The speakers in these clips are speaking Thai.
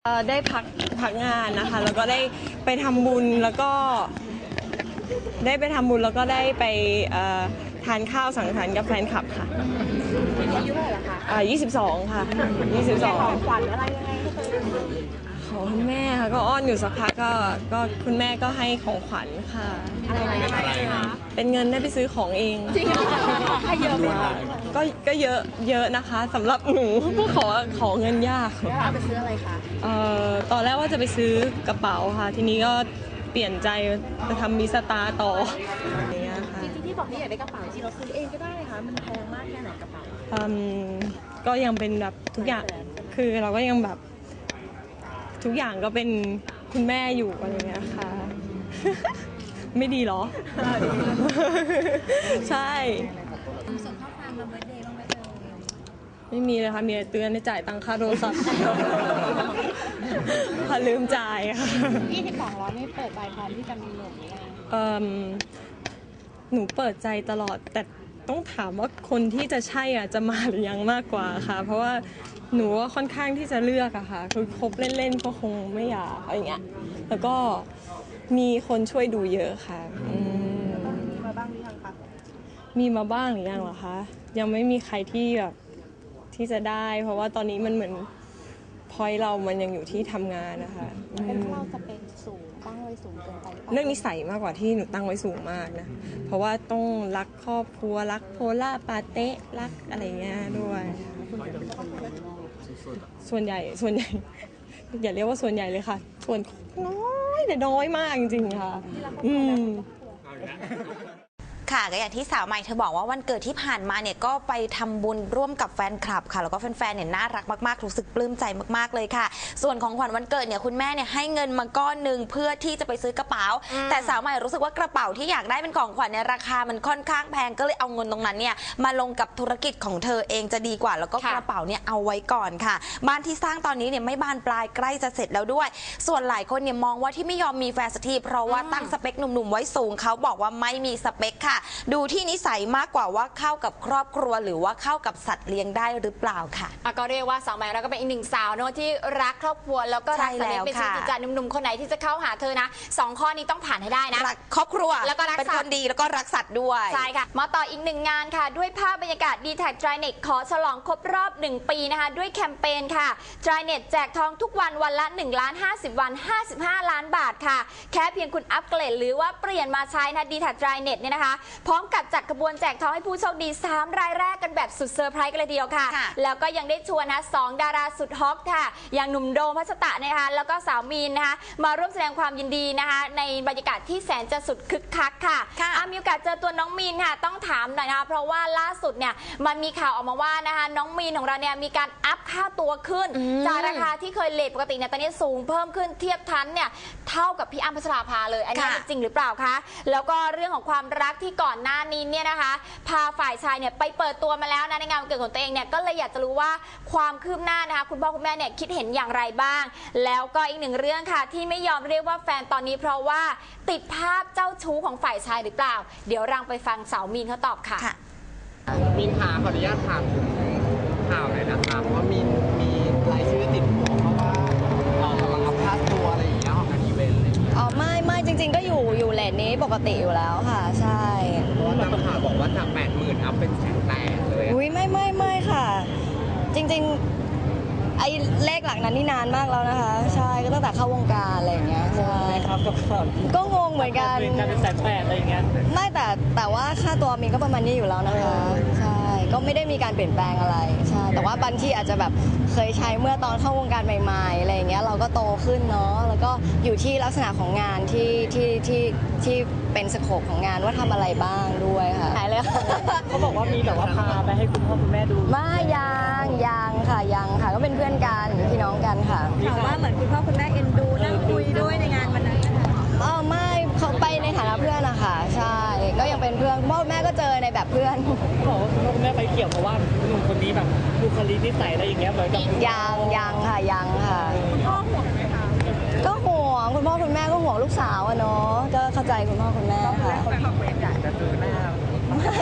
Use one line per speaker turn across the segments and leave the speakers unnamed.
ได้พักงานนะคะแล้วก็ได้ไปทำบุญแล้วก็ได้ไปทานข้าวสังสรรค์กับแฟนคลับค่ะ
อายุเท่าไหร่ละคะ
22ค่ะ22
ของขวัญอะไรยังไงให้ตัวเอง
ขอคุณแม่ค่ะก็อ้อนอยู่สักพักก็คุณแม่ก็ให้ของขวัญค่ะ
อะไรคะ
เป็นเงินได้ไปซื้อของเอง
จริงเหรอให้เยอะมาก
ก็เยอะนะคะสำหรับหนูขอเงินยาก
แล้วเอาไปซื้ออะไรคะ
ตอนแรกว่าจะไปซื้อกระเป๋าค่ะทีนี้ก็เปลี่ยนใจจะทำมิสตาร์ต่ออย่างเงี้ยค่ะ
จริงๆที่บอกที่อยากได้กระเป๋าจริงเราซื้อเองก็ได้ค่ะมันแพงมากแค่ไหนกระเป๋า
ก็ยังเป็นแบบทุกอย่างคือเราก็ยังแบบทุกอย่างก็เป็นคุณแม่อยู่อะไรเงี้ยค่ะ ไม่ดีหรอ ใช่
ส่งข้อความมาเบิร์ธเดย์บ้างไหม
ไม่มีเลยค่ะมีแต่เตือนให้จ่ายตังค่าโทรศัพท์พอลืมจ่ายค่ะ
22แล้วไม่เปิดใจพร้อมที่จะมีหนุ่มหรือยัง
หนูเปิดใจตลอดแต่ต้องถามว่าคนที่จะใช่จะมาหรือยังมากกว่าค่ะเพราะว่าหนูว่าค่อนข้างที่จะเลือกอะค่ะคือคบเล่นๆก็คงไม่อยากอะไรเงี้ยแล้วก็มีคนช่วยดูเยอะค่ะ
มีมาบ้างหรือยังคะ
มีมาบ้างหรือยังเหรอคะยังไม่มีใครที่แบบที่จะได้เพราะว่าตอนนี้มันเหมือนพอยเรามันยังอยู่ที่ทำงานนะคะ
เป็นเพราะเราจะเป็นสูงตั้งไว้สูงเกินไป
เรื่องนิสัยมากกว่าที่หนูตั้งไว้สูงมากนะเพราะว่าต้องรักครอบครัวรักโพล่าปาเต้รักอะไรเงี้ยด้วยส่วนใหญ่อย่าเรียกว่าส่วนใหญ่เลยค่ะส่วนน้อยแต่น้อยมากจริงๆค่ะ
ค่ะก็อย่างที่สาวใหม่เธอบอกว่าวันเกิดที่ผ่านมาเนี่ยก็ไปทำบุญร่วมกับแฟนคลับค่ะแล้วก็แฟนๆเนี่ยน่ารักมากๆรู้สึกปลื้มใจมากๆเลยค่ะส่วนของขวัญวันเกิดเนี่ยคุณแม่เนี่ยให้เงินมาก้อนหนึ่งเพื่อที่จะไปซื้อกระเป๋าแต่สาวใหม่รู้สึกว่ากระเป๋าที่อยากได้เป็นของขวัญเนี่ยราคามันค่อนข้างแพงก็เลยเอาเงินตรงนั้นเนี่ยมาลงกับธุรกิจของเธอเองจะดีกว่าแล้วก็กระเป๋าเนี่ยเอาไว้ก่อนค่ะบ้านที่สร้างตอนนี้เนี่ยไม่บานปลายใกล้จะเสร็จแล้วด้วยส่วนหลายคนเนี่ยมองว่าที่ไม่ยอมมีแฟนสักทีเพราะว่าตั้งสเปคหนุ่มๆไว้สูงเขาบอกว่าไม่มีสเปคค่ะดูที่นิสัยมากกว่าว่าเข้ากับครอบครัวหรือว่าเข้ากับสัตว์เลี้ยงได้หรือเปล่าค่ะ
ก็เรียกว่าสาวใหม่เราก็เป็นอีกหนึ่งสาวเนอะที่รักครอบครัวแล้วก็รักสัตว์เลี้ยงเป็นชีวิตจิตใจหนุ่มๆคนไหนที่จะเข้าหาเธอนะ2ข้อนี้ต้องผ่านให้ได้นะ
รักครอบครัว
แล้วก็รักสัตว์
เป็นคนดีแล้วก็รักสัตว์ด้วย
ใช่ค่ะมาต่ออีกหนึ่งงานค่ะด้วยภาพบรรยากาศ D-Tag Drynet ขอฉลองครบรอบ1 ปีนะคะด้วยแคมเปญค่ะ Drynet แจกทองทุกวันวันละ1,50,000 วัน55 ล้านบาทค่ะแค่เพียงคุณอัปเกรดหรือว่าเปลี่ยนมาใช้นะ D-Tag Drynet เนี่ยนะคะพร้อมกับจัดขบวนแจกทองให้ผู้โชคดี3รายแรกกันแบบสุดเซอร์ไพรส์กันเลยทีเดียวค่ะแล้วก็ยังได้ชวนนะ2ดาราสุดฮอตค่ะอย่างหนุ่มโดมพัชตะนะคะแล้วก็สาวมีนนะคะมาร่วมแสดงความยินดีนะคะในบรรยากาศที่แสนจะสุดคึกคักค่ะมีโอกาสเจอตัวน้องมีนค่ะต้องถามหน่อยนะคะเพราะว่าล่าสุดเนี่ยมันมีข่าวออกมาว่านะคะน้องมีนของเราเนี่ยมีการอัพค่าตัวขึ้นจากราคาที่เคยเลทปกติเนี่ยตอนนี้สูงเพิ่มขึ้นเทียบทันเนี่ยเท่ากับพี่อ้ำพัชราภาเลยอันนี้จริงหรือเปล่าคะแล้วก็เรื่องของความรักที่ก่อนหน้านี้เนี่ยนะคะพาฝ่ายชายเนี่ยไปเปิดตัวมาแล้วนะในงานวันเกิดของตัวเองเนี่ยก็เลยอยากจะรู้ว่าความคืบหน้านะคะคุณพ่อคุณแม่เนี่ยคิดเห็นอย่างไรบ้างแล้วก็อีกหนึ่งเรื่องค่ะที่ไม่ยอมเรียกว่าแฟนตอนนี้เพราะว่าติดภาพเจ้าชู้ของฝ่ายชายหรือเปล่าเดี๋ยวเราไปฟังสาวมีนเขาตอบค่ะ
มีนขาขออนุญาตถามถึงข่าวหน่อยนะคะเพราะว่ามีรายชื่อติดหัวเพราะว่ากำลังอัพค่าตัวอะไรอย่างเงี้ยของงานอีเวนต์อะไรอย่างเงี้ย
ไม่จริงๆก็อยู่เลทนี้ปกติอยู่แล้วค่ะใช่
เพราะว่าตามข่าวบอกว่าจาก80,000อัพเป็น180,000เลย
อุ้ยไม่ค่ะจริงๆไอ้เลขหลักนั้นนี่นานมากแล้วนะคะใช่ก็ตั้งแต่เข้าวงการอะไรอย่างเงี้ยใช่
ครับ
ก็งงเหมือนกัน
เป็น180,000อะไรอย่างเงี้ย
ไม่แต่ว่าค่าตัวมีก็ประมาณนี้อยู่แล้วนะคะใช่ก็ไม่ได้มีการเปลี่ยนแปลงอะไรใช่แต่ว่าบางที่อาจจะแบบเคยใช้เมื่อตอนเข้าวงการใหม่ๆอะไรอย่างเงี้ยเราก็โตขึ้นเนาะแล้วก็อยู่ที่ลักษณะของงานที่เป็นสโคปของงานว่าทำอะไรบ้างด้วยค่ะหายเลย
เขาบอกว่ามีแบบว่าพาไปให้คุณพ่อคุณแม่ดู
ไม่ยังค่ะก็เป็นเพื่อนกันพี่น้องกันค่ะ
ถามว่าเหมือนคุณพ่อคุณแม่เอ็นดูนั่งคุยด้วยในงานวันนั้นนะคะ
ไม่เขาไปในฐานะเพื่อนนะคะใช่ก็ยังเป็นเพื่อนพ่อแม่ก็เจอในแบบเพื่อน
บอกว่าคุณพ่อคุณแม่ไปเกี่ยวเพราะว่าหนุ่มคนนี้แบบบุคลิกนิสัยอะไรอย่างเงี้ยเหมือนกับ
ยังค่ะ
พ่อห่วงไหมคะ
ก็ห่วงคุณพ่อคุณแม่ก็ห่วงลูกสาวอะเนาะก็เข้าใจคุณพ่อคุณแม่ค่ะ
อยากจะเจอหน้า
ไม่เรี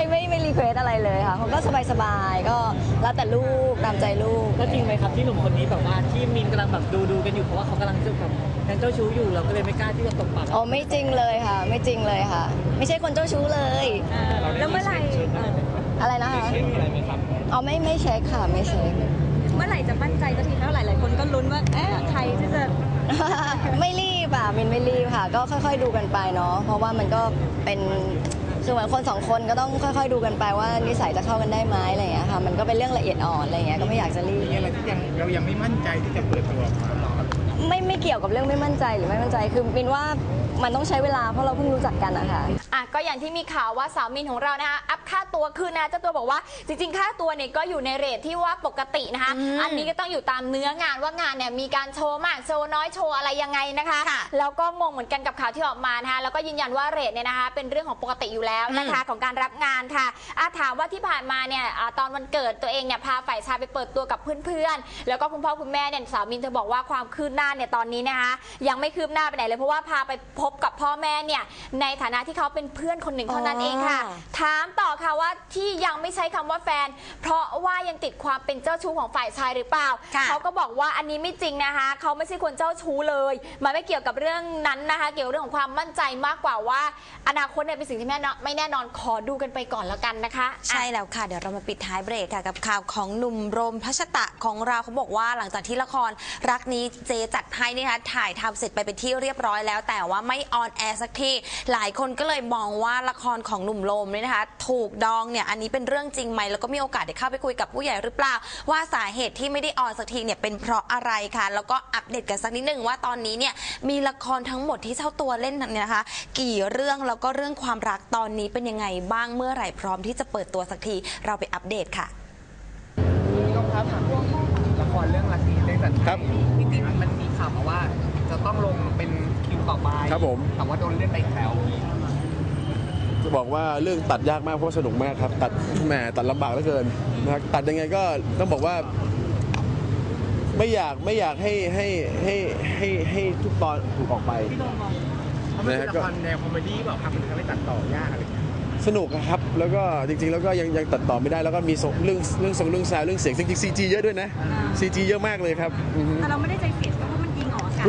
รีเควสอะไรเลยค่ะเขาก็สบายๆก็แล้วแต่ลูกตามใจลูก
แล้วจริงไหมครับที่หนุ่มคนนี้แบบว่าที่มินกำลังแบบดูกันอยู่เพราะว่าเขากำลังจะแบบยังเจ้าชู้อยู่เราก็เลยไม่กล้าที่จะตบปาก
อ๋อไม่จริงเลยค่ะ ไม่จริงเลยค่ะ ไม่ใช่คนเจ้าชู้เลย
แล้วเมื่อไหร่
อะไรนะคะ
เช็คอะไรไหมครับ
อ๋อไม่เช็คค่ะไม่เช็ค
เมื่อไหร่จะมั่นใจสักทีเท่าไหร่หลายคนก็ลุ้นว่าใครที่จะ
ไม่รีบอ่ะมินไม่รีบค่ะ ก็ค่อยๆดูกันไปเนาะเพราะว่ามันก็เป็นคือเหมือนคนสองคนก็ต้องค่อยๆดูกันไปว่านิสัยจะเข้ากันได้ไหมอะไรอย่างเงี้ยค่ะมันก็เป็นเรื่องละเอียดอ่อนอะไรอย่างเงี้ยก็ไม่อยากจะรีบ
มีอะไรที่เรายังไม่มั่นใจที่จะเปิดตัวออกมา
ไม่เกี่ยวกับเรื่องไม่มั่นใจหรือไม่มั่นใจคือมินว่ามันต้องใช้เวลาเพราะเราเพิ่งรู้จักกันนะคะ
อ่ะก็อย่างที่มีข่าวว่าสาวมินของเรานะคะอัพค่าตัวขึ้นนะเจ้าตัวบอกว่าจริงๆค่าตัวเนี่ยก็อยู่ในเรทที่ว่าปกตินะคะอันนี้ก็ต้องอยู่ตามเนื้องานว่างานเนี่ยมีการโชว์มากโชว์น้อยโชว์อะไรยังไงนะคะแล้วก็งงเหมือนกันกับข่าวที่ออกมานะคะแล้วก็ยืนยันว่าเรทเนี่ยนะคะเป็นเรื่องของปกติอยู่แล้วนะคะของการรับงานค่ะถามว่าที่ผ่านมาเนี่ยตอนวันเกิดตัวเองเนี่ยพาฝ่ายชายไปเปิดตัวกับเพื่อนๆแล้วก็คุณพ่อคุณแม่เนี่ยสาวมินเธอบอกว่าความคืบหน้าเนี่ยตอนนี้นะคะยังไม่คืบหน้าไปไหนเลยเพราะว่าพาไปพบกับพ่อแม่เนี่ยในฐานะที่เขาเป็นเพื่อนคนหนึ่งเท่านั้นเองค่ะถามต่อค่ะว่าที่ยังไม่ใช้คำว่าแฟนเพราะว่ายังติดความเป็นเจ้าชู้ของฝ่ายชายหรือเปล่าเขาก็บอกว่าอันนี้ไม่จริงนะคะเขาไม่ใช่คนเจ้าชู้เลยมันไม่เกี่ยวกับเรื่องนั้นนะคะเกี่ยวกับเรื่องของความมั่นใจมากกว่าว่าอนาคตเนี่ยเป็นสิ่งที่ไม่แน่นอนขอดูกันไปก่อนแล้วกันนะคะ
ใช่แล้วค่ะเดี๋ยวเรามาปิดท้ายเบรกค่ะกับข่าวของหนุ่มโรมพัชตะของเราเขาบอกว่าหลังจากที่ละครรักนี้เจจัดให้นี่นะคะถ่ายทำเสร็จไปเป็นที่เรียบร้อยแล้วแต่ว่าไม่ออนแอร์สักทีหลายคนก็เลยมองว่าละครของหนุ่มโรมเนี่ยนะคะถูกดองเนี่ยอันนี้เป็นเรื่องจริงไหมแล้วก็มีโอกาสได้เข้าไปคุยกับผู้ใหญ่หรือเปล่าว่าสาเหตุที่ไม่ได้ออนสักทีเนี่ยเป็นเพราะอะไรค่ะแล้วก็อัปเดตกันสักนิดนึงว่าตอนนี้เนี่ยมีละครทั้งหมดที่เจ้าตัวเล่นเนี่ยนะคะกี่เรื่องแล้วก็เรื่องความรักตอนนี้เป็นยังไงบ้างเมื่อไหร่พร้อมที่จะเปิดตัวสักทีเราไปอัปเดตค่ะ
พี่ก้องครับถามละครเรื่องรักนี้ได้จัดครับจริงๆมันมีข่าวมาว่าจะต้องลงเป็นคิวต่อไป
ครับผม
ถามว่าโดนเลื่อนไปอีกแล้วพี่
จะบอกว่าเรื่องตัดยากมากเพราะสนุกมากครับตัดแหมตัดลำบากเหลือเกินนะครับตัดยังไงก็ต้องบอกว่าไม่อยากให้ทุกตอนถูกออกไป
เพราะมันเป็นละครแนวคอมเมดี้แบบครับมันทำให้ตัดต่อยากอะไรอย่างเงี้ย
สนุกครับแล้วก็จริงๆแล้วก็ยังตัดต่อไม่ได้แล้วก็มีเรื่องซาวเรื่องเสียงจริงๆ CG เยอะด้วยนะ CG เยอะมากเลยครับ
แต่เราไม่ได้ใจเสียเพราะมันยิงออกอากาศ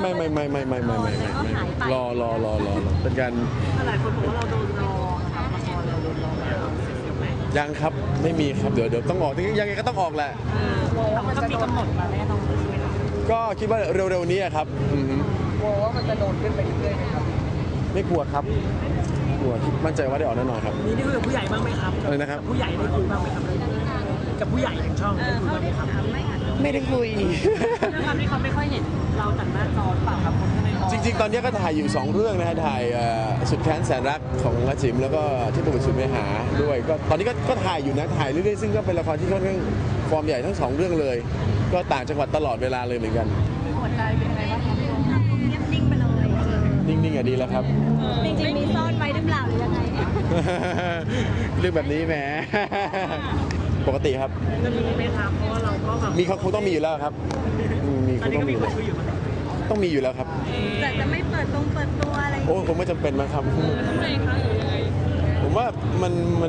ไม่รอเป็นการ
หลายคนบอกว่าเราโดนรอครับละครเราโดนรอแล้ว
ยังครับไม่มีครับเดี๋ยวต้องออกยังไงก็ต้องออกแหละ
ก็มีกำหนดมาแน่นอนใช่ไหมครับ
ก็คิดว่าเร็วๆนี้ครับ
กลัวว่ามันจะโดนขึ้นไปเรื่อยๆไหมครับ
ไม่กลัวครับกลัวมั่นใจว่าได้ออกแน่นอนครับ
นี่ได้คุยกับผู้ใหญ่บ้างไหมครับ
อะไรนะครับ
ผู้ใหญ่ได้คุยบ้างไหมครับกับผู้ใหญ่ของช่องได้คุยบ้างไหมครับ
ไม่ได้คุย
ด้วยความที่เขาไม่ค่อยเห็นเราจากหน้าจอเปล่าครับคนข้างใน
จริงๆตอนนี้ก็ถ่ายอยู่2เรื่องนะฮะถ่ายสุดแค้นแสนรักของอาจิมแล้วก็ที่ประวัติสุดเมหาด้วยก็ตอนนี้ก็ถ่ายอยู่นะถ่ายเรื่อยๆซึ่งก็เป็นละครที่ค่อนข้างฟอร์มใหญ่ทั้ง2เรื่องเลยก็ต่างจังหวัดตลอดเวลาเลยเหมือนกัน
หัวใจเป็นยังไงบ้างครับนิ่งไปเลย
นิ่งๆอ่ะดีแล้วครับ
จริงๆมีซ่อนไว้หรือเปล่าหรือยังไง
เรื่องแบบนี้แหมปกติครับ
จะมีไหมครับเพราะว่าเราก็แบบ
มีเขาคงต้องมีอยู่แล้วครับมีเขาต้องมีอยู่ต้องมีอยู่แล้วครับ
แต่จะไม่เปิดตัวอะไร
โอ้คงไม่จำเป็นมั้งครับ
ทำไมคะหรือยังไง
ผมว่ามัน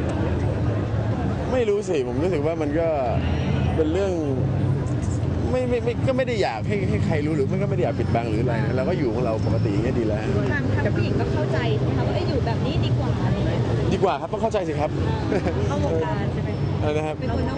ไม่รู้สิผมรู้สึกว่ามันก็เป็นเรื่องไม่ก็ไม่ได้อยากให้ใครรู้หรือมันก็ไม่ได้อยากปิดบังหรืออะไรนะเราก็อยู่ของเราปกติอย่างนี้ดีแล้ว
ทางผู้หญิงก็เข้าใจนะคะว่าอยู่แบบนี้ดีกว่าอะไรอย่างเงี้ย
ดีกว่าครับต้องเข้าใจสิครับ
เข้าวงการใช่ไหม
นะครับ
เป็นคนนอก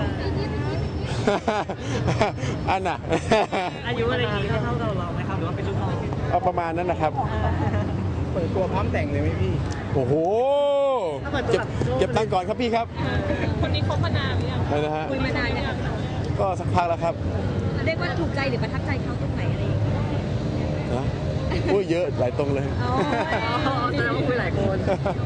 อันน่ะ
อายุอะไรนี้เท่าเราไหมครับหรือว่าเป็นลูกน้อง
เอาประมาณนั้นนะครับ
เปิดตัวพร้อมแต่งเลยไหมพี่
โอ้โหเก็บตังค์ก่อนครับพี่ครับ
คนนี้คบมานานหรือยัง
อะไรนะฮะ
คุยมานานยัง
ก็สักพักแล้วครับ
เรียกว่าถูกใจหรือประทับใจเขาตรงไหนอะไรอย่างเงี้ย
นะอุ้ยเยอะหลายตรงเลย
แสดงว่าคุยหลายคน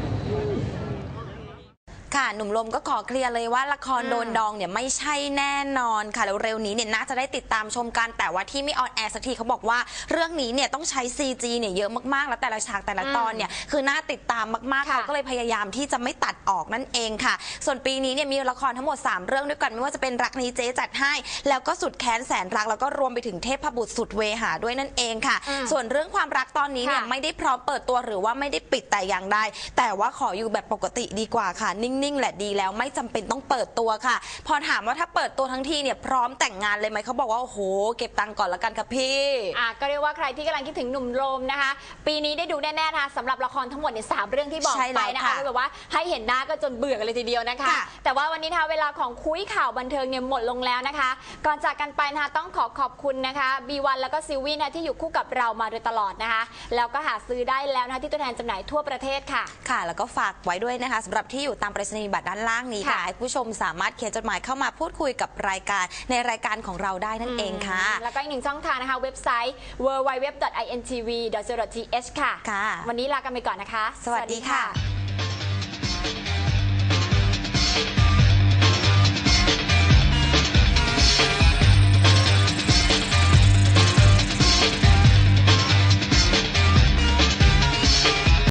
ค่ะหนุ่มลมก็ขอเคลียร์เลยว่าละครโดนดองเนี่ยไม่ใช่แน่นอนค่ะแล้วเร็วนี้เนี่ยน่าจะได้ติดตามชมกันแต่ว่าที่ไม่ออนแอร์สักทีเขาบอกว่าเรื่องนี้เนี่ยต้องใช้ CG เนี่ยเยอะมากๆแล้วแต่ละฉากแต่ละตอนเนี่ยคือน่าติดตามมากๆเขาก็เลยพยายามที่จะไม่ตัดออกนั่นเองค่ะส่วนปีนี้เนี่ยมีละครทั้งหมด3เรื่องด้วยกันไม่ว่าจะเป็นรักนี้เจ๊จัดให้แล้วก็สุดแค้นแสนรักแล้วก็รวมไปถึงเทพบุตรสุดเวหาด้วยนั่นเองค่ะส่วนเรื่องความรักตอนนี้เนี่ยไม่ได้พร้อมเปิดตัวหรือว่าไม่ได้ปิดแต่อย่างใดแต่ว่าขออยู่แบบปกติดีกว่าค่ะนิ่งๆแดดีแล้วไม่จำเป็นต้องเปิดตัวค่ะ พอถามว่าถ้าเปิดตัวทั้งทีเนี่ยพร้อมแต่งงานเลยไหมเขาบอกว่าโอ้โหเก็บตังค์ก่อนละกันค่ะพี่
ก็เรียกว่าใครที่กำลังคิดถึงหนุ่มโรมนะคะปีนี้ได้ดูแน่ๆนะคะสำหรับละครทั้งหมดเนี่ย3 เรื่องที่บอกไปนะคะแบบว่าให้เห็นหน้าก็จนเบื่อกันเลยทีเดียวนะคะแต่ว่าวันนี้นะคะเวลาของคุยข่าวบันเทิงเนี่ยหมดลงแล้วนะคะก่อนจากกันไปนะคะต้องขอบคุณนะคะB1แล้วก็ซิลวี่นะที่อยู่คู่กับเรามาโดยตลอดนะคะแล้วก็หาซื้อได้แล้วนะคะที่ตัวแทนจำหน่ายทั่วประเทศค่ะ
แล้วก็ฝากไว้ด้วยนะคะสำหรับที่อยู่ตามไปรษณียบัตรด้านล่างนี้ค่ะให้ผู้ชมสามารถเขียนจดหมายเข้ามาพูดคุยกับรายการในรายการของเราได้นั่นเองค่ะ
แล้วก็อีก1 ช่องทางนะคะเว็บไซต์ www.intv.co.th ค่ะวันนี้ลากันไปก่อนนะคะ
สวัสดีค่ะ